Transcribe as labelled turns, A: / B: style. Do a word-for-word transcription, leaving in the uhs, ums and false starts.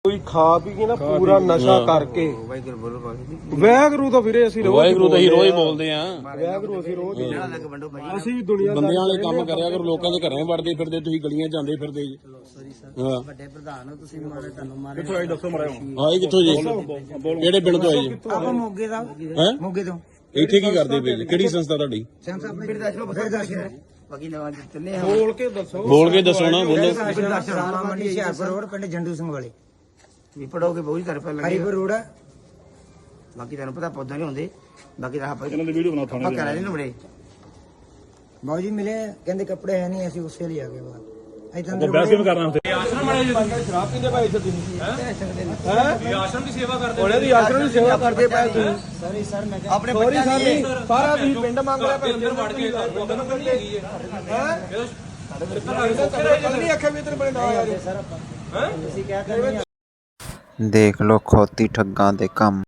A: ਕੋਈ ਖਾ ਪੀ ਕੇ ਨਾ ਪੂਰਾ ਨਸ਼ਾ ਕਰਕੇ ਵਾਹਿਗੁਰੂ ਤਾਂ ਵੀਰੇ ਅਸੀਂ ਰੋਜ਼
B: ਵਾਹਿਗੁਰੂ ਤਾਂ ਹੀ ਰੋਜ਼ ਬੋਲਦੇ ਆ।
A: ਵਾਹਿਗੁਰੂ ਅਸੀਂ ਰੋਜ਼ ਅਸੀਂ ਦੁਨੀਆ
B: ਬੰਦਿਆਂ ਵਾਲੇ ਕੰਮ ਕਰਿਆ ਕਰੋ, ਲੋਕਾਂ ਦੇ ਘਰਾਂ ਵੜਦੇ ਫਿਰਦੇ, ਤੁਸੀਂ ਗਲੀਆਂ ਜਾਂਦੇ ਫਿਰਦੇ ਜੀ। ਹਾਂ
C: ਵੱਡੇ ਪ੍ਰਧਾਨ ਹੋ ਤੁਸੀਂ, ਮਾਰੇ ਤੁਹਾਨੂੰ ਮਾਰੇ।
B: ਕਿੱਥੋਂ ਆਏ ਦੱਸੋ ਮੜਾ। ਆਏ ਕਿੱਥੋਂ ਜੀ? ਕਿਹੜੇ ਪਿੰਡ ਤੋਂ ਆਏ ਜੀ?
C: ਆਪਾਂ ਮੋਗੇ ਦਾ
B: ਹੈ
C: ਮੋਗੇ ਤੋਂ।
B: ਇੱਥੇ ਕੀ ਕਰਦੇ ਪਏ ਜੀ? ਕਿਹੜੀ ਸੰਸਥਾ ਤੁਹਾਡੀ?
C: ਸੰਤ ਆਪਣੇ ਬਿਰਦਾਸ਼ਰਮ ਬਾਕੀ ਨਵਾਂ ਚੱਲੇ ਆ।
A: ਬੋਲ ਕੇ ਦੱਸੋ
B: ਬੋਲ ਕੇ ਦੱਸੋ ਨਾ, ਬੋਲੋ।
C: ਰਾਮਾ ਮੰਡੀ ਹਿਆਰਪੁਰ ਰੋਡ, ਪਿੰਡ ਜੰਡੂ ਸਿੰਘ ਵਾਲੇ।
D: ਵੀ ਪੜੋਗੇ ਬਹੁਤ ਤਰਫ ਲੱਗੇ
C: ਹਰੀਪੁਰ ਰੋਡ ਆ।
D: ਬਾਕੀ ਤੁਹਾਨੂੰ ਪਤਾ ਪੌਦਾ ਨਹੀਂ ਹੁੰਦੇ। ਬਾਕੀ ਤਾਂ ਆਪਾਂ
B: ਇਹਨਾਂ ਦੀ ਵੀਡੀਓ ਬਣਾ
D: ਆਪਾਂ ਕਰਾ ਲੈਣੇ ਬੜੇ
C: ਬਾਊ ਜੀ ਮਿਲੇ, ਕਹਿੰਦੇ ਕੱਪੜੇ ਹੈ ਨਹੀਂ, ਅਸੀਂ ਉਸੇ ਲਈ ਆ ਗਏ ਬਾਹਰ। ਅਸੀਂ
B: ਉਹ ਬੈਸ ਕਿਵੇਂ ਕਰਨਾ ਉੱਥੇ?
A: ਸ਼ਰਾਬ ਪੀਂਦੇ ਭਾਈ ਇੱਥੇ ਤੁਸੀਂ ਹੈ ਆਸ਼ਰਮ ਦੀ ਸੇਵਾ ਕਰਦੇ ਉਹਨੇ ਦੀ ਆਸ਼ਰਮ ਦੀ ਸੇਵਾ ਕਰਦੇ ਪਏ ਤੁਸੀਂ
C: ਸੌਰੀ ਸਰ, ਮੈਂ
A: ਆਪਣੇ ਬੱਚਿਆਂ ਦੀ ਸਾਰਾ ਤੁਸੀਂ ਪਿੰਡ ਮੰਗ ਲਿਆ ਪਰ ਅੰਦਰ ਵੜ ਕੇ ਉਧਰ ਨੂੰ ਕਿਹੜੀ ਹੈਗੀ ਹੈ ਹੈ ਨਹੀਂ ਅੱਖੇ ਵੀ ਤੇਰੇ ਬੜੇ ਨਾ ਆ
C: ਸਰ ਆਪਾਂ ਤੁਸੀਂ ਕਹਿ ਕੇ
E: ਦੇਖ ਲੋ ਖੋਤੀ ਠੱਗਾਂ ਦੇ ਕੰਮ।